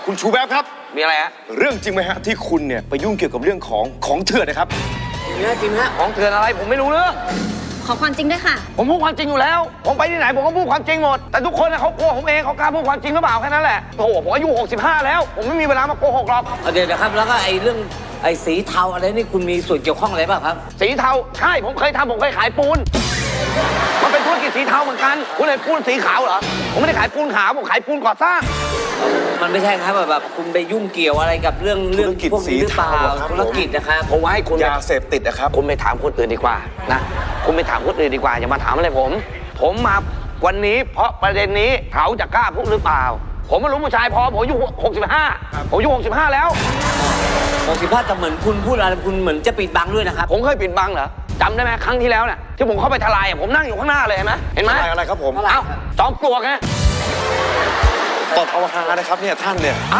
คุณชูแวบครับมีอะไรฮะเรื่องจริงไหมฮะที่คุณเนี่ยไปยุ่งเกี่ยวกับเรื่องของเถื่อนนะครับจริงฮะของเถื่อนอะไรผมไม่รู้เรื่องขอความจริงด้วยค่ะผมพูดความจริงอยู่แล้ว ผมไปที่ไหนผมก็พูดความจริงหมดแต่ทุกคนเขากลัวผมเองเขากล้าพูดความจริงหรือเปล่าแค่นั้นแหละโอ้โหผมอายุ65แล้วผมไม่มีเวลามาโกหกหรอกเดี๋ยวนะครับแล้วก็ไอ้เรื่องไอ้สีเทาอะไรนี่คุณมีส่วนเกี่ยวข้องอะไรบ้างครับสีเทาใช่ผมเคยทำผมเคยขายปูนมันเป็นธุรกิจสีเทาเหมือนกันคุณเห็นปูนสีขาวเหรอผมไม่ได้ขายปูนขาวผมขายปูนก่อสร้างมันไม่ใช่ครับแบบคุณไปยุ่งเกี่ยวอะไรกับเรื่องธุรกิจพวกนี้หรือเปล่าสีเทาอะครับธุรกิจนะครับผมว่าให้คุณยาเสพติดนะครับคุณไปถามคนอื่นดีกว่านะคุณไปถามคนอื่นดีกว่าอย่ามาถามอะไรผมมาวันนี้เพราะประเด็นนี้เขาจะกล้าพูดหรือเปล่า ผมไม่รู้ผู้ชายพอผมอายุ65ผมอายุ65แล้ว 65แต่เหมือนคุณพูดอะไรคุณเหมือนจะปิดบังด้วยนะครับผมเคยปิดบังเหรอจำได้ไหมครั้งที่แล้วเนี่ยที่ผมเข้าไปทลายผมนั่งอยู่ข้างหน้าเลยเห็นไหมเห็นไหมอะไรครับผมเอ้าจอมปลวกไงตบเอาฮานะครับเนี่ยท่านเนี่ย